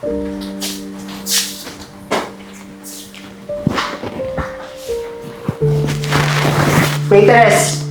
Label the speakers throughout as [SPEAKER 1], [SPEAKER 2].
[SPEAKER 1] Waitress!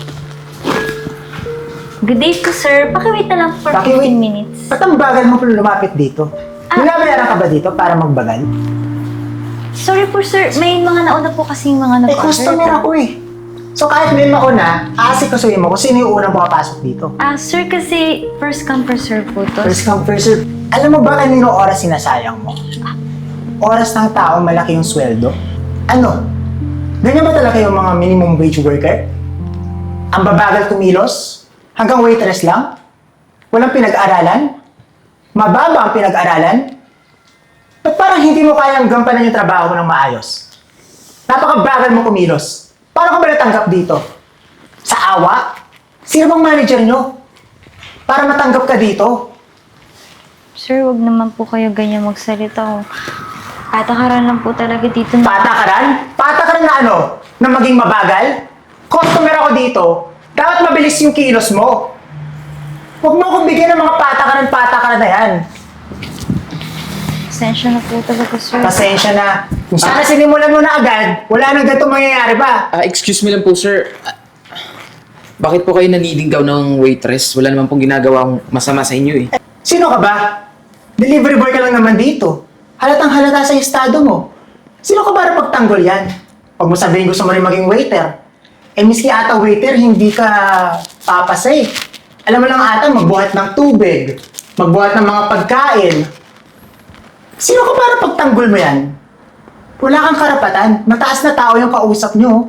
[SPEAKER 2] Good day po, sir. Pakiwait na lang for
[SPEAKER 1] Pakiwait?
[SPEAKER 2] 15 minutes.
[SPEAKER 1] Ba't ang bagal mo lumapit dito? Binabayaran ka ba dito para magbagal?
[SPEAKER 2] Sorry po, sir. May mga nauna po kasing mga
[SPEAKER 1] Eh, customer ako eh. So kahit may mauna, aasikasuhin mo kung sino yung unang makapasok dito.
[SPEAKER 2] Sir, kasi first come, first serve po to.
[SPEAKER 1] First come, first serve. Alam mo ba kanino oras sinasayang mo? Oras ng tao, malaki yung sweldo. Ano? Ganyan ba talaga yung mga minimum wage worker? Ang babagal kumilos? Hanggang waitress lang? Walang pinag-aralan? Mababa ang pinag-aralan? Ba't parang hindi mo kayang gampanan yung trabaho mo ng maayos? Napakabagal mo kumilos. Paano ka ba natanggap dito? Sa awa? Sino bang manager nyo? Para matanggap ka dito?
[SPEAKER 2] Sir, wag naman po kayo ganyan magsalita. Patakaran lang po talaga dito.
[SPEAKER 1] Patakaran? Patakaran na ano? Na maging mabagal? Customer ako dito. Dapat mabilis yung kilos mo. Huwag mo akong bigyan ng mga patakaran na yan.
[SPEAKER 2] Pasensya na po talaga, sir.
[SPEAKER 1] Pasensya na. Kung sana sinimulan mo na agad, wala nang ganito mangyayari pa.
[SPEAKER 3] Excuse me lang po, sir. Bakit po kayo naniligaw ng waitress? Wala naman pong ginagawang masama sa inyo eh.
[SPEAKER 1] Sino ka ba? Delivery boy ka lang naman dito. Halatang halata sa estado mo. Sino ka ba na pagtanggol yan? Huwag mo sabihin gusto mo rin maging waiter. Eh, miski ata waiter, hindi ka papasay. Alam mo lang ata, magbuhat ng tubig, magbuhat ng mga pagkain. Sino ka para pagtanggol mo yan? Wala kang karapatan. Mataas na tao yung kausap nyo.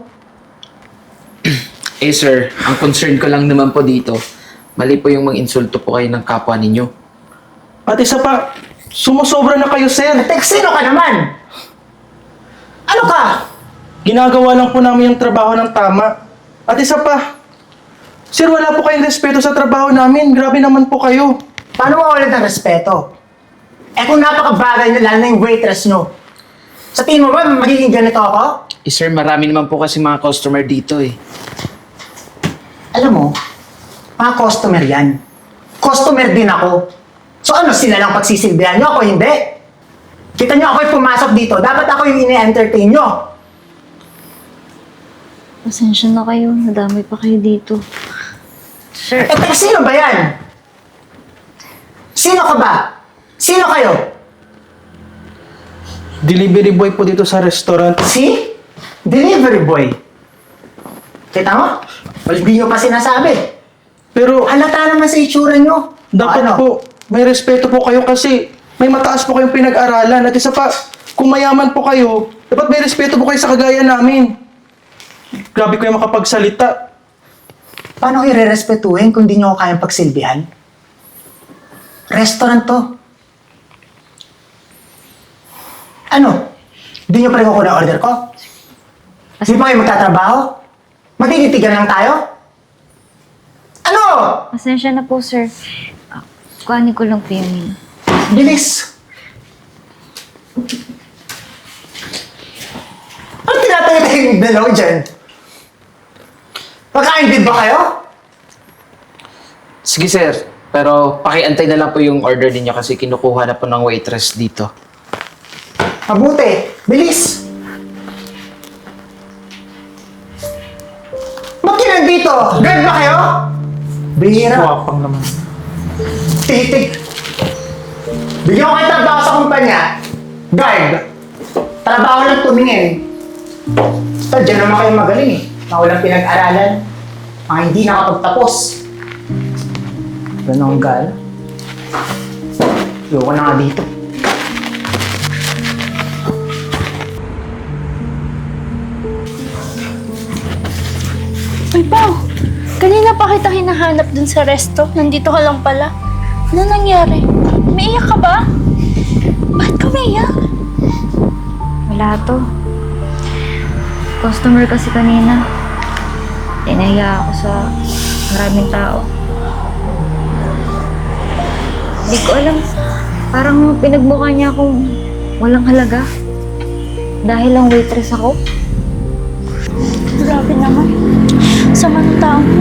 [SPEAKER 3] Eh sir, ang concern ko lang naman po dito, mali po yung mag-insulto po kayo ng kapwa ninyo.
[SPEAKER 4] At isa pa, sumusobra na kayo, sir.
[SPEAKER 1] Tek, sino ka naman? Ano ka?
[SPEAKER 4] Ginagawa lang po namin yung trabaho ng tama. At isa pa, sir, wala po kayong respeto sa trabaho namin. Grabe naman po kayo.
[SPEAKER 1] Paano mawalan ng respeto? Eh kung napakabagay na lalo na yung waitress nyo. Sa tingin mo ba magiging ganito ako?
[SPEAKER 3] Eh sir, marami naman po kasi mga customer dito eh.
[SPEAKER 1] Alam mo, mga customer yan. Customer din ako. So ano, sila lang pagsisilbihan nyo, ako hindi. Kita nyo ako'y pumasok dito, dapat ako yung ini-entertain nyo.
[SPEAKER 2] Pasensya na kayo. Nadamay pa kayo dito. Sir,
[SPEAKER 1] Eh, teka, sino ba yan? Sino ka ba? Sino kayo?
[SPEAKER 4] Delivery boy po dito sa restaurant.
[SPEAKER 1] Si? Delivery boy. Kita mo? Hindi nyo pa sinasabi.
[SPEAKER 4] Pero
[SPEAKER 1] Halata naman sa itsura nyo.
[SPEAKER 4] dapat
[SPEAKER 1] Ano?
[SPEAKER 4] po, may respeto po kayo kasi may mataas po kayong pinag-aralan. At isa pa, kung mayaman po kayo, dapat may respeto po kayo sa kagaya namin. Grabe kayo makapagsalita.
[SPEAKER 1] Paano ko i-respetuhin kung di nyo ako kayang pagsilbihan? Restaurant to. Ano? Di nyo pa rin kukuha ang order ko? Di pa kayo magtatrabaho? Magtititigan lang tayo? Ano?
[SPEAKER 2] pasensya na po, sir. Kuhanin ko lang po yung menu.
[SPEAKER 1] Bilis! Ano tinatayo yung dalaw dyan? Pagkain din ba kayo?
[SPEAKER 3] Sige sir, pero pakiantay na lang po yung order ninyo kasi kinukuha na po ng waitress dito.
[SPEAKER 1] Mabuti. Bilis! Ba't ka nandito? Guard ba kayo? Bihira.
[SPEAKER 4] Wapang naman.
[SPEAKER 1] Titik. Bigyan ko kayo trabaho sa kumpanya. Guard. Trabaho lang tumingin. Basta dyan naman kayo magaling eh. Mga walang pinag-aralan. Mga hindi nakapagtapos. Ganun ang gala. Ayoko na nga dito.
[SPEAKER 5] Uy, Pao! Kanina pa kita hinahanap dun sa resto. Nandito ka lang pala. Ano nangyari? Umiiyak ka ba? Bakit ka umiiyak?
[SPEAKER 2] Wala to. Customer kasi kanina. Tinahiya ako sa maraming tao. Hindi ko alam. Parang pinagmukha niya akong walang halaga. Dahil lang waitress ako.
[SPEAKER 5] Grabe naman. Sama ng tao mo.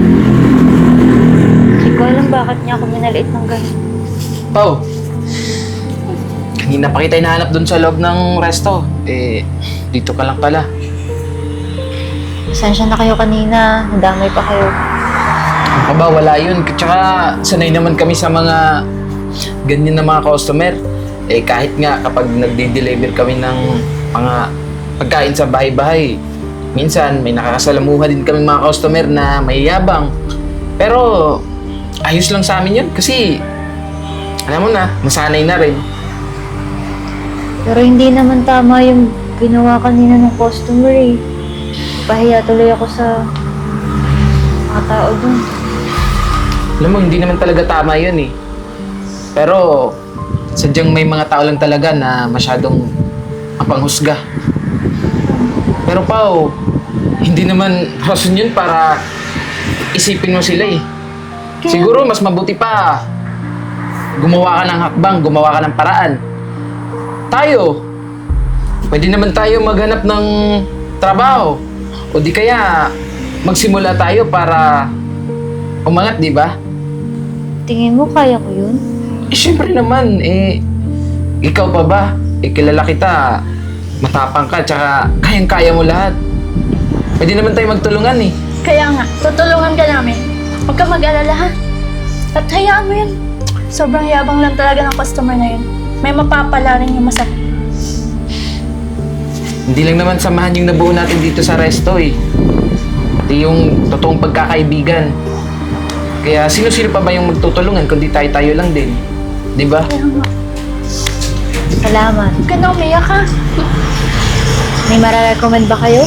[SPEAKER 2] Hindi ko alam bakit niya ako minaliit ng ganun.
[SPEAKER 3] Pao, hindi na pa kita hinahanap dun sa loob ng resto. Eh, dito ka lang pala.
[SPEAKER 2] Pasensya na kayo kanina. Nadamay pa kayo.
[SPEAKER 3] Aba, wala yun. Tsaka sanay naman kami sa mga ganyan na mga customer. Eh, kahit nga kapag nagde-deliver kami ng mga pagkain sa bahay-bahay, minsan may nakakasalamuha din kami mga customer na mayayabang. Pero ayos lang sa amin yun kasi alam mo na, nasanay na rin.
[SPEAKER 2] Pero hindi naman tama yung ginawa kanina ng customer eh. Pahiya tuloy ako sa mga tao dun.
[SPEAKER 3] Alam mo, hindi naman talaga tama yun eh. Pero sadyang may mga tao lang talaga na masyadong mapanghusga. Pero Pao, hindi naman rason yun para isipin mo sila eh. Siguro mas mabuti pa gumawa ka ng hakbang, gumawa ka ng paraan. Tayo, pwede naman tayo maghanap ng trabaho. O di kaya magsimula tayo para umangat, di ba?
[SPEAKER 2] Tingin mo kaya ko yun?
[SPEAKER 3] Eh, syempre naman, eh, ikaw pa ba? Eh, kilala kita, matapang ka, tsaka kayang-kaya mo lahat. Pwede naman tayo magtulungan eh.
[SPEAKER 5] Kaya nga, tutulungan ka namin. Huwag ka mag-alala ha. At hayaan mo yun. Sobrang yabang lang talaga ng customer na yun. May mapapala rin yung masakit.
[SPEAKER 3] Hindi lang naman samahan yung nabuo natin dito sa resto eh. Pati yung totoong pagkakaibigan. Kaya sino-sino pa ba yung magtutulungan kundi tayo-tayo lang din? Di ba?
[SPEAKER 5] Kaya nga.
[SPEAKER 2] Salamat.
[SPEAKER 5] Huwag ka na umiyak ha.
[SPEAKER 2] May mararecommend ba kayo?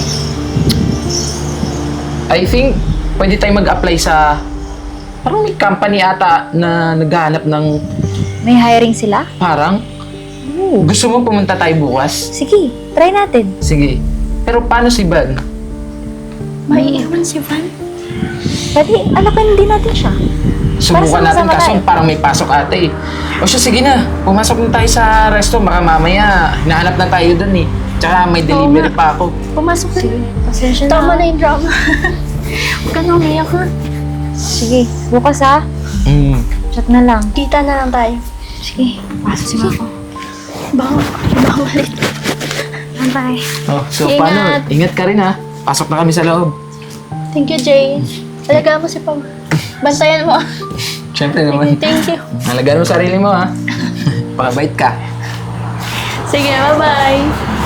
[SPEAKER 3] I think pwede tayong mag-apply sa parang may company ata na naghahanap ng
[SPEAKER 2] May hiring sila?
[SPEAKER 3] parang gusto mo pumunta tayo bukas?
[SPEAKER 2] Sige, try natin.
[SPEAKER 3] Sige. Pero paano si Van?
[SPEAKER 5] Maiiwan si Van.
[SPEAKER 2] Pwede, alakan din natin siya.
[SPEAKER 3] Subukan natin
[SPEAKER 2] sama-sama
[SPEAKER 3] kaso
[SPEAKER 2] tayo.
[SPEAKER 3] parang may pasok ate eh. O siya, sige na. Pumasok na tayo sa resto. Baka mamaya hinahanap na tayo dun eh. Tsaka may delivery
[SPEAKER 5] nga.
[SPEAKER 3] pa ako.
[SPEAKER 5] Pumasok ka.
[SPEAKER 2] Sige, pasensya na.
[SPEAKER 5] Tama na yung drama. Huwag ka na umiyak ha.
[SPEAKER 2] Sige, bukas ha.
[SPEAKER 3] Mm.
[SPEAKER 2] Chat na lang.
[SPEAKER 5] Kita na lang tayo.
[SPEAKER 2] Sige, pasok si Mako.
[SPEAKER 5] Baka malit.
[SPEAKER 2] Bye.
[SPEAKER 3] Oh, so
[SPEAKER 5] Ingat.
[SPEAKER 3] paano? Ingat ka rin ha. Pasok na kami sa loob.
[SPEAKER 5] Thank you, Jay. Alagaan mo si Pao. Bantayan mo.
[SPEAKER 3] Siyempre naman.
[SPEAKER 5] Thank you.
[SPEAKER 3] Halagaan mo sarili mo ha. Pakabait ka.
[SPEAKER 5] Sige, bye-bye.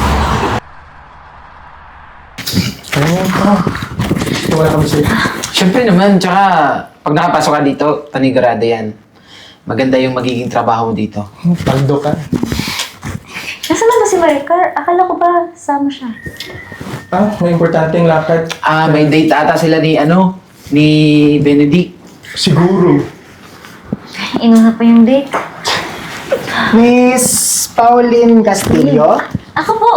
[SPEAKER 1] Wala kami sa'yo.
[SPEAKER 3] Siyempre naman. Tsaka pag nakapasok ka dito, panigurado yan. Maganda yung magiging trabaho mo dito.
[SPEAKER 1] Paldo ka.
[SPEAKER 2] Nasaan na ba si Maricar? Akala ko ba sama siya?
[SPEAKER 4] Ah, may importanteng lakad.
[SPEAKER 3] Ah, may date ata sila ni Benedict.
[SPEAKER 4] Siguro.
[SPEAKER 2] Inuna pa yung date.
[SPEAKER 1] Miss Pauline Castillo?
[SPEAKER 2] Ako po!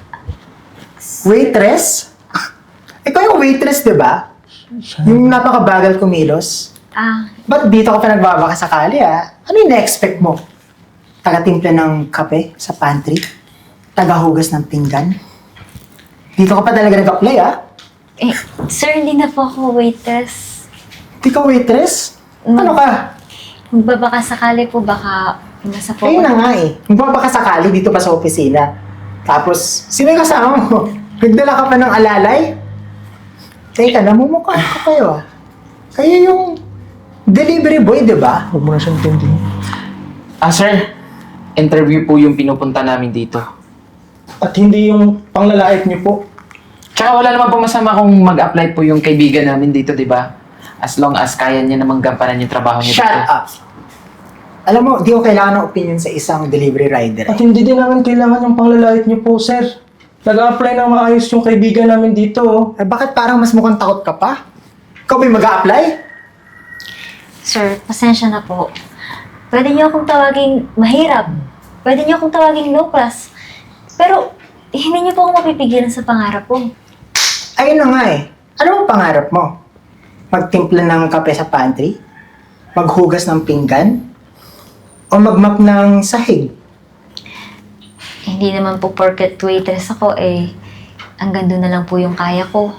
[SPEAKER 1] Waitress? Ikaw yung waitress, di ba? Yung napakabagal kumilos. Ba't dito ka pa nagbabaka sakali Ano yung na-expect mo? Taga-timpla ng kape sa pantry? Taga-hugas ng pinggan? Dito ka pa talaga nag-apply
[SPEAKER 2] Eh, sir, hindi na po ako waitress.
[SPEAKER 1] Di ka waitress? Ano ka?
[SPEAKER 2] Magbabaka sakali po, baka nasa po
[SPEAKER 1] Ayun na nga Magbabaka sakali dito pa sa opisina. Tapos, sino yung kasama mo? Nagdala ka pa ng alalay? Teka, namumukha ko kayo Kayo yung delivery boy, di ba?
[SPEAKER 4] Huwag mo na siyang tindihin.
[SPEAKER 3] Ah, sir. Interview po yung pinupunta namin dito.
[SPEAKER 4] At hindi yung panglalait niyo po.
[SPEAKER 3] Tsaka wala naman po masama kung mag-apply po yung kaibigan namin dito, di ba? As long as kaya niya namang gampanan yung trabaho niya
[SPEAKER 1] Shut
[SPEAKER 3] dito.
[SPEAKER 1] up! Alam mo, di ko kailangan ng opinion sa isang delivery rider.
[SPEAKER 4] At hindi din naman kailangan yung panglalait niyo po, sir. Nag-a-apply ng maayos yung kaibigan namin dito.
[SPEAKER 1] Bakit parang mas mukhang takot ka pa? Ikaw ba mag-a-apply?
[SPEAKER 2] Sir, pasensya na po. Pwede niyo akong tawaging mahirap. Pwede niyo akong tawaging low class. Pero, hindi niyo po ako mapipigilan sa pangarap ko.
[SPEAKER 1] Ayun na nga Ano ang pangarap mo? Magtimpla ng kape sa pantry? Maghugas ng pinggan? O magmap ng sahig?
[SPEAKER 2] Hindi naman po porket waitress ako hanggang doon na lang po yung kaya ko.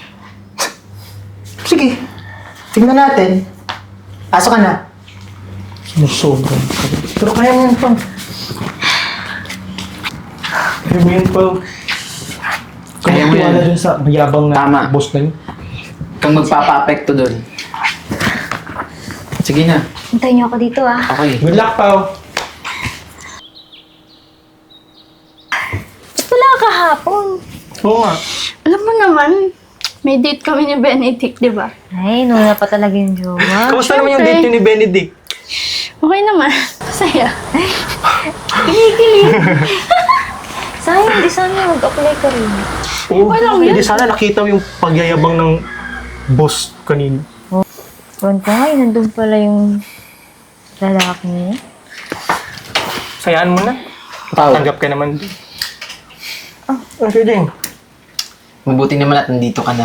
[SPEAKER 1] Sige, tingnan natin. Pasok ka na.
[SPEAKER 4] Sumusobra. Pero kaya mo yan, Pang. Ano yun, Pao?
[SPEAKER 3] Kaya mo yan.
[SPEAKER 4] dun sa mayabang na
[SPEAKER 3] Tama.
[SPEAKER 4] boss na yun.
[SPEAKER 3] Kang magpapa-apekto doon. Sige na.
[SPEAKER 2] Hintayin niyo ako dito ah.
[SPEAKER 3] Okay.
[SPEAKER 4] Good luck, Pao.
[SPEAKER 2] Ba't wala ka kahapon?
[SPEAKER 4] Oo nga.
[SPEAKER 5] Alam mo naman, may date kami ni Benedict, di ba?
[SPEAKER 2] Ay, nuna pa talaga yung jowa.
[SPEAKER 4] Kamusta naman yung
[SPEAKER 5] syempre.
[SPEAKER 4] date niyo ni Benedict?
[SPEAKER 5] Okay naman. Masaya.
[SPEAKER 2] Kinikilig. Sayang, di sana mag-apply ka rin.
[SPEAKER 4] Oo.
[SPEAKER 5] Walang
[SPEAKER 4] Hindi
[SPEAKER 5] yun.
[SPEAKER 4] sana nakita mo yung pagyayabang ng boss kanina.
[SPEAKER 2] Ron ko nga, nandun pala yung lalaki niya.
[SPEAKER 4] Sayaan mo na.
[SPEAKER 3] Pao,
[SPEAKER 4] Tanggap ka naman. Okay din.
[SPEAKER 3] mabuti naman at nandito ka na.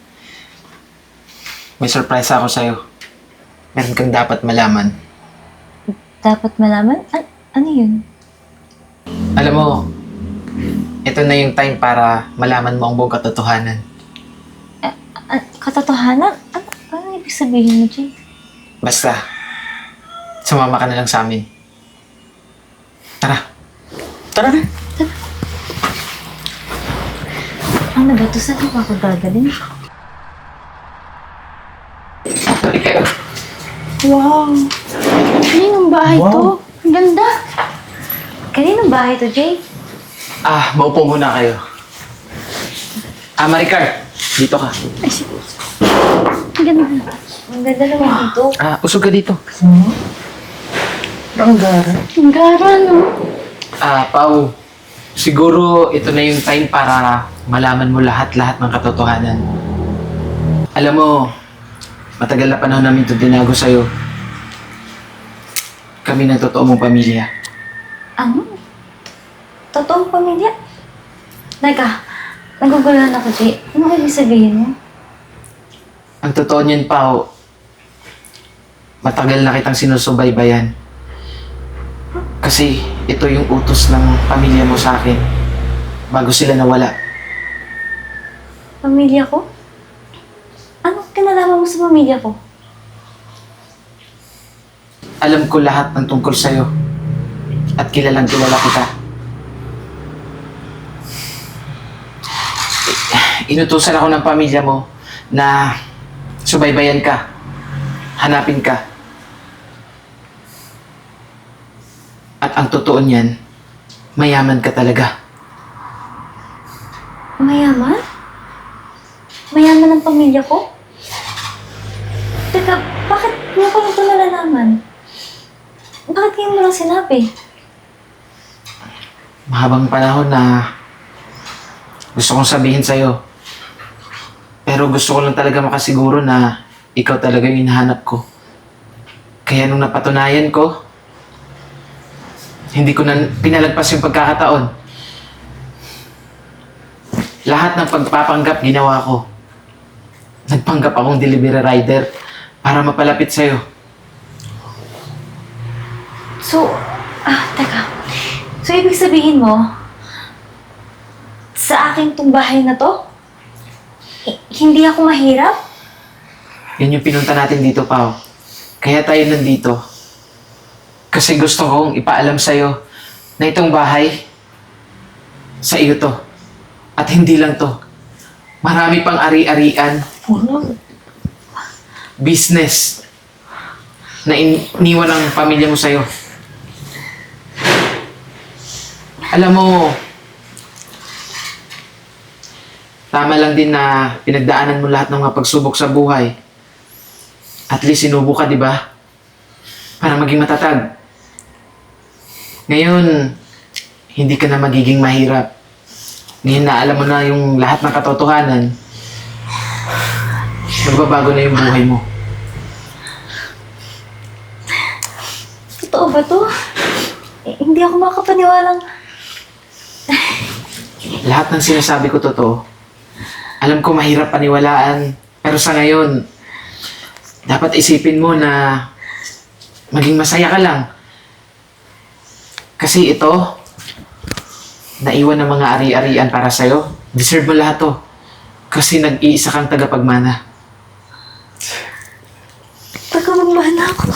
[SPEAKER 3] May surprise ako sa'yo. Meron kang dapat malaman.
[SPEAKER 2] Dapat malaman? Ano yun?
[SPEAKER 3] Alam mo, ito na yung time para malaman mo ang buong katotohanan.
[SPEAKER 2] Katotohanan? Ano ibig sabihin mo, Jay?
[SPEAKER 3] Basta, sumama ka na lang sa amin. Tara.
[SPEAKER 4] Tara na.
[SPEAKER 2] Ano ba ito? Saan ba ako gagaling?
[SPEAKER 3] Sorry kayo.
[SPEAKER 5] Wow. Kaninong bahay
[SPEAKER 4] Wow.
[SPEAKER 5] to? Ang ganda.
[SPEAKER 2] Kaninong bahay to, Jay?
[SPEAKER 3] Maupo muna kayo. Maricar, dito ka.
[SPEAKER 5] Ay, sige. Ang ganda.
[SPEAKER 2] Ang ganda naman dito.
[SPEAKER 3] Usog ka dito.
[SPEAKER 4] Ang gara.
[SPEAKER 5] Ang gara, no?
[SPEAKER 3] Pao, siguro ito na yung time para malaman mo lahat-lahat ng katotohanan. Alam mo, matagal na panahon namin ito tinago sa'yo. Kami ng totoo mong pamilya.
[SPEAKER 2] Ano? Totoong pamilya? Teka, naguguluhan ako, Jay. Ano ibig sabihin mo?
[SPEAKER 3] Ang totoo niyan, Pao, matagal na kitang sinusubaybayan. Kasi ito yung utos ng pamilya mo sa akin bago sila nawala.
[SPEAKER 2] Pamilya ko? Anong kinalaman mo sa pamilya ko?
[SPEAKER 3] Alam ko lahat ng tungkol sa'yo at kilalang kilala kita. Inutusan ako ng pamilya mo na subaybayan ka, hanapin ka. At ang totoo niyan, mayaman ka talaga.
[SPEAKER 2] Mayaman? Mayaman ang pamilya ko? Teka, bakit mo pa ito nalalaman? Bakit ngayon mo lang sinabi?
[SPEAKER 3] Mahabang panahon na gusto kong sabihin sa'yo. Pero gusto ko lang talaga makasiguro na ikaw talaga yung hinahanap ko. Kaya nung napatunayan ko, hindi ko na pinalagpas yung pagkakataon. Lahat ng pagpapanggap ginawa ko. Nagpanggap akong delivery rider para mapalapit sa'yo.
[SPEAKER 2] So, teka. So, ibig sabihin mo, sa akin tong bahay na to, hindi ako mahirap?
[SPEAKER 3] Yan yung pinunta natin dito, Pao. Kaya tayo nandito. Kasi gusto kong ipaalam sa'yo na itong bahay, sa iyo to. At hindi lang to. Marami pang ari-arian, business, na iniwan ng pamilya mo sa'yo. Alam mo, tama lang din na pinagdaanan mo lahat ng mga pagsubok sa buhay. At least sinubo ka, di ba? Para maging matatag. Ngayon, hindi ka na magiging mahirap. Ngayon na alam mo na yung lahat ng katotohanan, magbabago na yung buhay mo.
[SPEAKER 2] Totoo ba to? Hindi ako makapaniwalang...
[SPEAKER 3] Lahat ng sinasabi ko totoo. Alam ko mahirap paniwalaan, pero sa ngayon, dapat isipin mo na maging masaya ka lang. Kasi ito, naiwan ng mga ari-arian para sa'yo. Deserve mo lahat to. Kasi nag-iisa kang tagapagmana.
[SPEAKER 2] Pagkamagmana ako.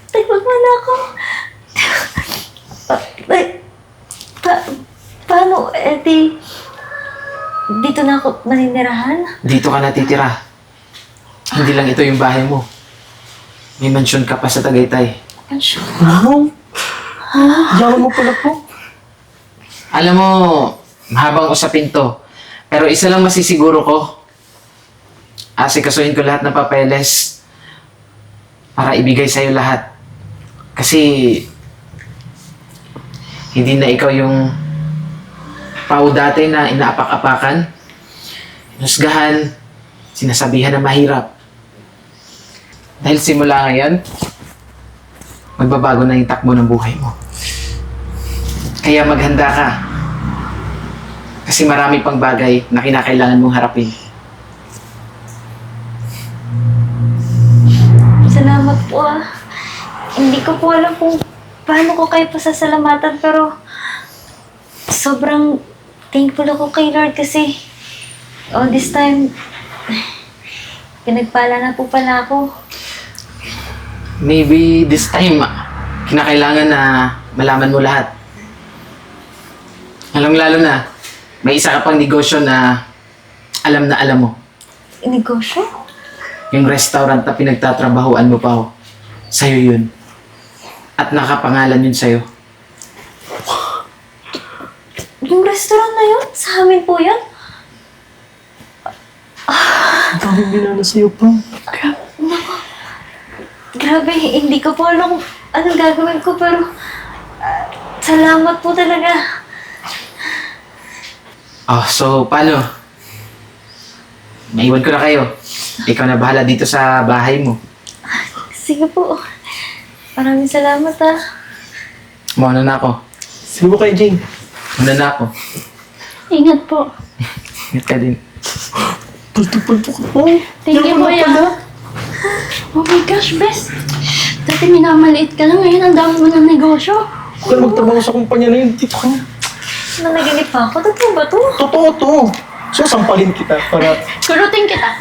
[SPEAKER 2] Pagkamagmana ako. Paano? dito na ako maninirahan?
[SPEAKER 3] Dito ka natitira. Hindi lang ito yung bahay mo. May mansyon ka pa sa Tagaytay.
[SPEAKER 2] Ansyo.
[SPEAKER 4] Wow! Yaman mo pala po.
[SPEAKER 3] Alam mo, mahabang usapin to. Pero isa lang masisiguro ko. Asikasuhin ko lahat ng papeles para ibigay sa'yo lahat. Kasi hindi na ikaw yung Pao dati na inaapak-apakan, husgahan, sinasabihan na mahirap. Dahil simula ngayon, magbabago na yung takbo ng buhay mo. Kaya maghanda ka. Kasi marami pang bagay na kinakailangan mong harapin.
[SPEAKER 2] Salamat po ah. Hindi ko po alam kung paano ko kayo pasasalamatan pero sobrang thankful ako kay Lord kasi all this time pinagpala na po pala ako.
[SPEAKER 3] Maybe this time, kinakailangan na malaman mo lahat. Lalo na, may isa ka pang negosyo na alam mo.
[SPEAKER 2] Negosyo?
[SPEAKER 3] Yung restaurant na pinagtatrabahuan mo pa, sa'yo yun. At nakapangalan yun sa'yo.
[SPEAKER 2] Yung restaurant na yun? Sa amin po yun?
[SPEAKER 4] Ang daming binala sa'yo pa.
[SPEAKER 2] Grabe, hindi ko po alam kung anong gagawin ko pero salamat po talaga.
[SPEAKER 3] Oh, so paano? Naiwan ko na kayo. Ikaw na bahala dito sa bahay mo.
[SPEAKER 2] Sige po. Maraming salamat ah.
[SPEAKER 3] Mauna na ako.
[SPEAKER 4] Sige mo kay Jane.
[SPEAKER 3] Mauna na ako.
[SPEAKER 5] Ingat po.
[SPEAKER 3] Ingat ka din.
[SPEAKER 4] Palto-palto ka po.
[SPEAKER 5] Thank you, Kuya. Oh my gosh, Bes. Dati minamaliit ka lang, ngayon ang dami mo ng negosyo.
[SPEAKER 4] Huwag ka na magtrabaho sa kumpanya na yun. Dito ka na.
[SPEAKER 2] Nanaginip pa ako. Totoo ba to?
[SPEAKER 4] Totoo to. So, sampalin kita para...
[SPEAKER 5] Kurutin kita.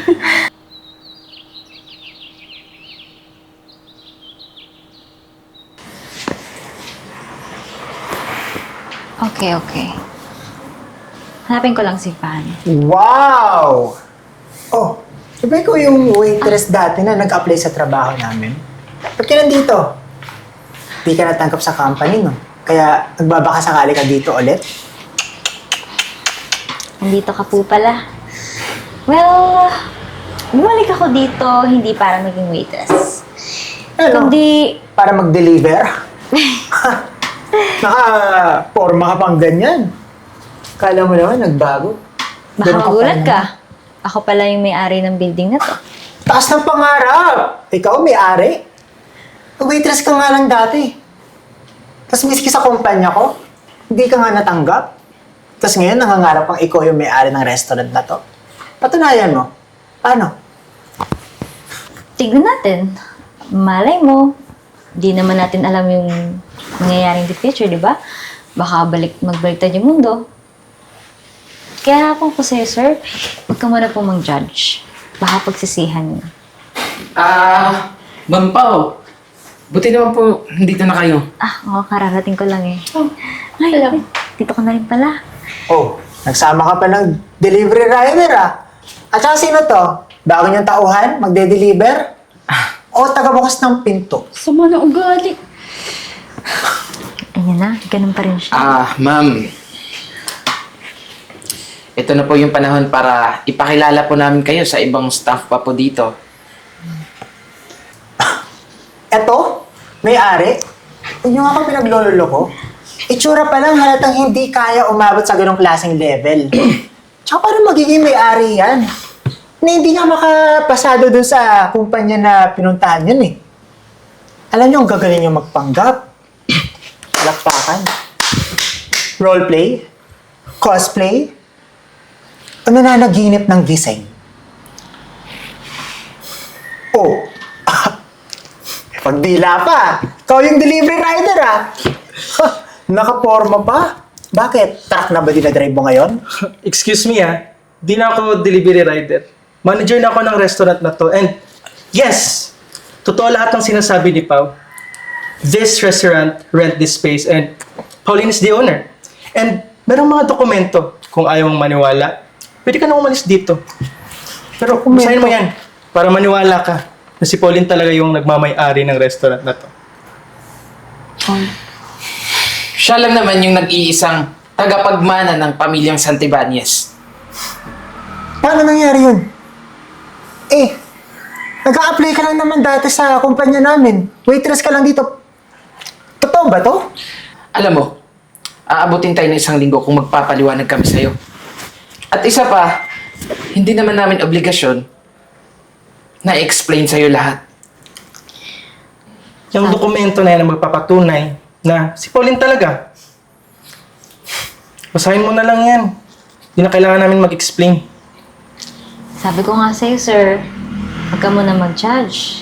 [SPEAKER 2] Okay. Hanapin ko lang si Pan.
[SPEAKER 1] Wow! Oh, di ba ikaw yung waitress dati na nag-apply sa trabaho namin? Ba't ka nandito? Di ka natangkap sa company, no? Kaya nagbabaka sakali ka dito ulit?
[SPEAKER 2] Nandito ka po pala. Well, bumalik ako dito hindi para maging waitress.
[SPEAKER 1] Ano?
[SPEAKER 2] Kundi,
[SPEAKER 1] Para mag-deliver? Naka-forma ka pang ganyan. Kala mo naman, nagbago.
[SPEAKER 2] baka
[SPEAKER 1] Ganun
[SPEAKER 2] magulat
[SPEAKER 1] pala.
[SPEAKER 2] ka. Ako pala yung may-ari ng building na to.
[SPEAKER 1] Taas ng pangarap! Ikaw, may-ari. Waitress ka nga lang dati. Tapos miski sa kumpanya ko, hindi ka nga natanggap. Tapos ngayon, nangangarap pang ikaw yung may-ari ng restaurant na to. Patunayan mo. Paano?
[SPEAKER 2] Tignan natin. Malay mo, di naman natin alam yung mangyayaring in the future, di ba? Baka magbaliktad yung mundo. Kaya hapon ko sa'yo, sir, huwag ka muna po mang-judge. Baka pagsisihan niyo.
[SPEAKER 3] Ma'am Pao, buti naman po, nandito na kayo.
[SPEAKER 2] Oo, kararating ko lang eh. Ay,
[SPEAKER 5] Hello.
[SPEAKER 2] dito ka na rin pala.
[SPEAKER 1] Oh, nagsama ka pa ng delivery rider ah. At saka sino to? Bago niyang tauhan? Magde-deliver? O taga-bukas ng pinto?
[SPEAKER 5] Sama na ugali.
[SPEAKER 2] Ayan na, ganun pa rin siya.
[SPEAKER 3] Ma'am. Ito na po yung panahon para ipakilala po namin kayo sa ibang staff pa po dito.
[SPEAKER 1] Eto, may-ari. Huwag niyo nga ako pinaglololo ko. Itsura pa lang halatang hindi kaya umabot sa ganong klaseng level. Tsaka parang magiging may-ari yan. Na hindi nga makapasado dun sa kumpanya na pinuntahan yun eh. Alam niyo, ang gagaling niyo magpanggap. Palakpakan. Roleplay. Cosplay. O nananaginip ng gising. Oh. Pagdila pa. Ikaw yung delivery rider ah. Nakaporma pa. Bakit? Truck na ba dinadrive mo ngayon?
[SPEAKER 4] Excuse me di na ako delivery rider. Manager na ako ng restaurant na to. And yes, totoo lahat ng sinasabi ni Pao. This restaurant rent this space and Pauline is the owner. And Merong mga dokumento. Kung ayaw mong maniwala, pwede ka na umalis dito. Pero basahin mo yan para maniwala ka na si Pauline talaga yung nagmamay-ari ng restaurant na to.
[SPEAKER 3] Siya lang naman yung nag-iisang tagapagmana ng pamilyang Santibanez.
[SPEAKER 1] Paano nangyari yun? Eh, nag-a-apply ka lang naman dati sa kumpanya namin. Waitress ka lang dito. Totoo ba to?
[SPEAKER 3] Alam mo, aabutin tayo ng 1 linggo kung magpapaliwanag kami sa'yo. At isa pa, hindi naman namin obligasyon na i-explain sa'yo lahat.
[SPEAKER 4] Yung dokumento na yan ang magpapatunay na si Pauline talaga. Basahin mo na lang yan. Hindi na kailangan namin mag-explain.
[SPEAKER 2] Sabi ko nga sa'yo, sir, huwag ka muna mag-judge.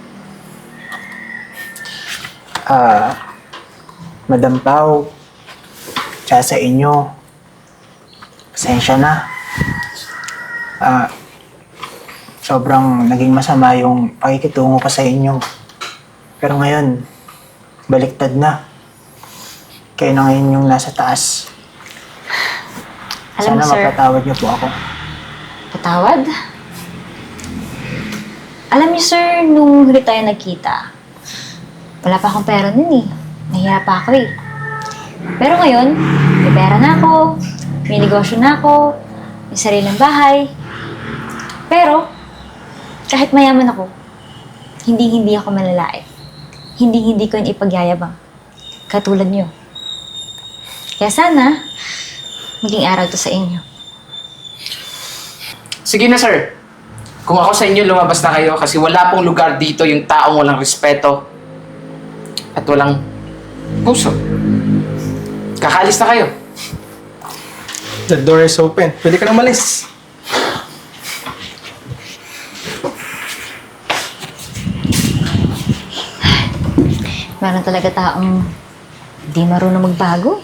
[SPEAKER 1] Madam Pao, tsaka sa inyo, pasensya na. Sobrang naging masama yung pakikitungo ko sa inyo. Pero ngayon, baliktad na. Kayo na ngayon yung nasa taas.
[SPEAKER 2] Alam mo,
[SPEAKER 1] Sana
[SPEAKER 2] sir,
[SPEAKER 1] mapatawad niyo po ako.
[SPEAKER 2] patawad? Alam niyo, sir, nung huli tayo nagkita, wala pa akong pera nun eh. Nahiya pa ako eh. Pero ngayon, may pera na ako, may negosyo na ako, may sariling bahay. Pero, kahit mayaman ako, hindi ako malalait. Hindi ko yung ipagyayabang. Katulad niyo. Kaya sana, maging aral to sa inyo.
[SPEAKER 3] Sige na, sir. Kung ako sa inyo, lumabas na kayo kasi wala pong lugar dito yung taong walang respeto at walang puso. Kakalis na kayo.
[SPEAKER 4] The door is open. Pwede ka na umalis.
[SPEAKER 2] Meron talaga taong di marunong magbago.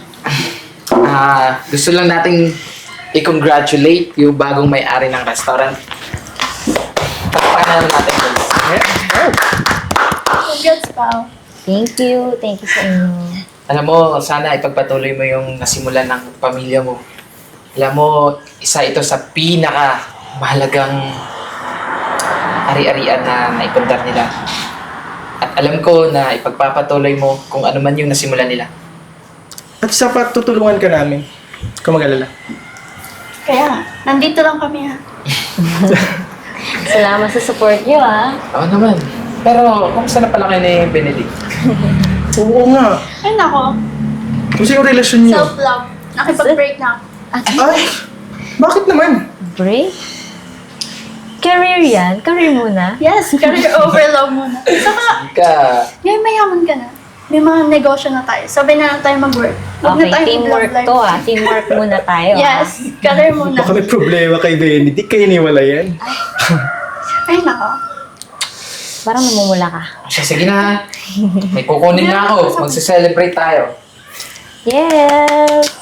[SPEAKER 3] Gusto lang nating i-congratulate yung bagong may-ari ng restaurant. Pagpakan natin, guys.
[SPEAKER 5] Congrats, Pao.
[SPEAKER 2] Thank you sa inyo.
[SPEAKER 3] Alam mo, sana ipagpatuloy mo yung nasimulan ng pamilya mo. Alam mo, isa ito sa mahalagang ari-arian na naipundar nila. At alam ko na ipagpapatuloy mo kung ano man yung nasimulan nila.
[SPEAKER 4] At isa pa, tutulungan ka namin. Kung mag-alala.
[SPEAKER 5] Kaya nga, nandito lang kami ha.
[SPEAKER 2] Salamat sa support niyo, ah.
[SPEAKER 3] Oo naman. Pero, kumusta na pala kayo ni Benedict?
[SPEAKER 4] Oo nga.
[SPEAKER 5] Ay nako,
[SPEAKER 4] Kumusta yung relasyon niyo?
[SPEAKER 5] self-love. Nakipag-break na ako.
[SPEAKER 2] At
[SPEAKER 4] Ay! Bakit naman?
[SPEAKER 2] break? Career yan? Career muna?
[SPEAKER 5] Yes, career over love muna. Saka, ngayon mayaman ka na. May mga negosyo na tayo. Sabay na lang tayo mag-work. Huwag na
[SPEAKER 2] Okay,
[SPEAKER 5] tayo
[SPEAKER 2] teamwork
[SPEAKER 5] mag-love
[SPEAKER 2] to,
[SPEAKER 5] life.
[SPEAKER 2] ah. Teamwork muna tayo,
[SPEAKER 5] Yes, career muna.
[SPEAKER 4] Baka may problema kay Benedict. Kayo niwala yan.
[SPEAKER 5] Ay nako.
[SPEAKER 2] Parang namumula ka.
[SPEAKER 3] Sige na. May kukunin na ako. Magse-celebrate tayo.
[SPEAKER 2] Yes!